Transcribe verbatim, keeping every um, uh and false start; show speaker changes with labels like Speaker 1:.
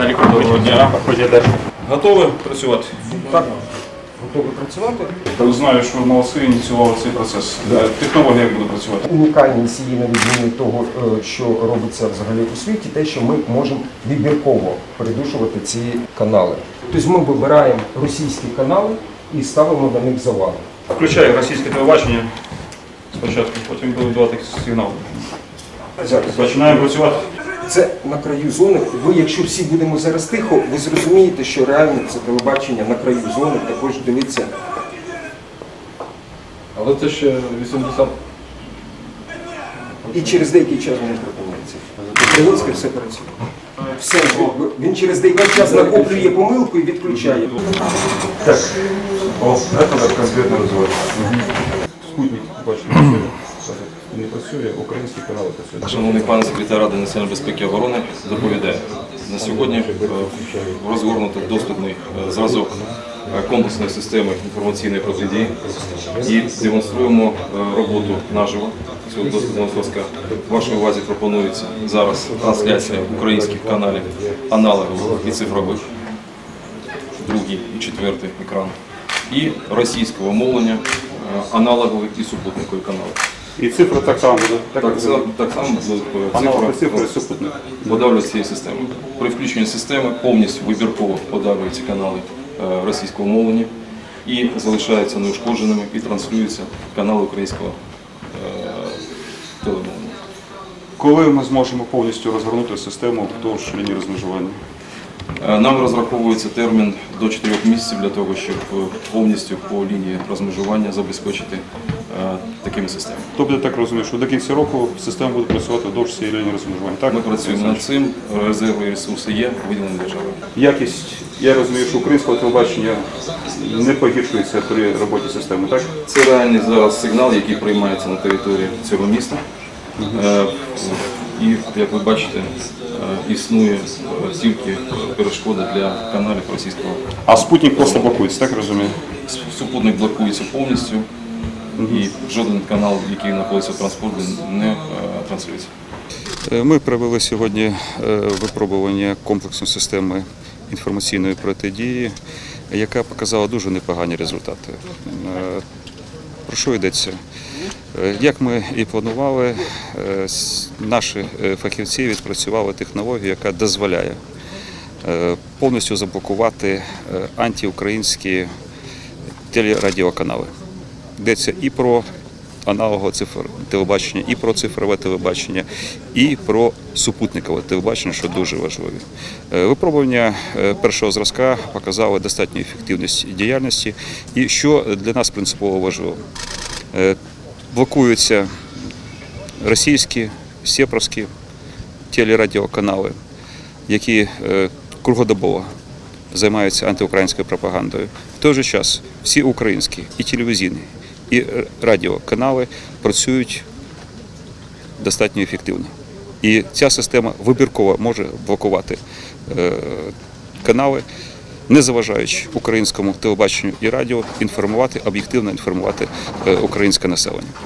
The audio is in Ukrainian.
Speaker 1: Віталій, доброго дня.
Speaker 2: Готові працювати?
Speaker 3: Так, готові працювати.
Speaker 2: Я знаю, що молодці ініціювали цей процес. Технологія як буде працювати?
Speaker 3: Унікальність її на відміну того, що робиться взагалі у світі, те, що ми можемо вибірково передушувати ці канали. Тобто ми вибираємо російські канали і ставимо на них заваги.
Speaker 2: Включаю російське телебачення спочатку, потім буду давати сигнал. Починаємо працювати.
Speaker 3: Це на краю зони. Ви, якщо всі будемо зараз тихо, ви зрозумієте, що реально це телебачення на краю зони, також дивиться.
Speaker 1: Але це ще вісімдесят.
Speaker 3: І через деякий час воно припиняється. Українське все працює. Все, він через деякий час накоплює помилку і відключає.
Speaker 2: Так, о, це так конкретно розвивається. Спутник, бачите, не працює, українські канали працюють.
Speaker 4: Шановний пане секретар Ради національної безпеки і оборони доповідає. На сьогодні розгорнуто доступний зразок комплексної системи інформаційної протидії і демонструємо роботу наживо цього доступного зразка. Вашій увазі пропонується зараз трансляція українських каналів аналогових і цифрових, другий і четвертий екран, і російського мовлення аналогових і супутникові канали.
Speaker 2: І цифри так само буде?
Speaker 4: Так, так, так само
Speaker 2: Аналогові цифри і супутник.
Speaker 4: подавлюють цієї системи. При включенні системи повністю вибірково подавлюються канали російського мовлення і залишаються неушкодженими і транслюються канали українського телемовлення.
Speaker 2: Коли ми зможемо повністю розгорнути систему вздовж лінії розмежування?
Speaker 4: Нам розраховується термін до чотирьох місяців для того, щоб повністю по лінії розмежування забезпечити такими системами.
Speaker 2: Тобто, я так розумію, що до кінця року система буде працювати вдовж цієї лінії розмежування, так?
Speaker 4: Ми працюємо над цим, резерви і ресурси є, виділені державою.
Speaker 2: Якість, я розумію, що українського телебачення не погіршується при роботі системи, так?
Speaker 4: Це реальний зараз сигнал, який приймається на території цього міста. І, як ви бачите, існує тільки перешкода для каналів російського.
Speaker 2: А спутник просто блокується, так розумію?
Speaker 4: Супутник блокується повністю і жоден канал, який знаходиться в транспорті, не транслюється.
Speaker 5: Ми провели сьогодні випробування комплексної системи інформаційної протидії, яка показала дуже непогані результати. Про що йдеться? Як ми і планували, наші фахівці відпрацювали технологію, яка дозволяє повністю заблокувати антиукраїнські телерадіоканали. Йдеться і про аналогове телебачення, і про цифрове телебачення, і про супутникове телебачення, що дуже важливо. Випробування першого зразка показали достатню ефективність діяльності, і що для нас принципово важливо. Блокуються російські, сєпровські телерадіоканали, які круглодобово займаються антиукраїнською пропагандою. В той же час всі українські і телевізійні, і радіоканали працюють достатньо ефективно. І ця система вибірково може блокувати канали, не заважаючи українському телебаченню і радіо інформувати, об'єктивно інформувати українське населення.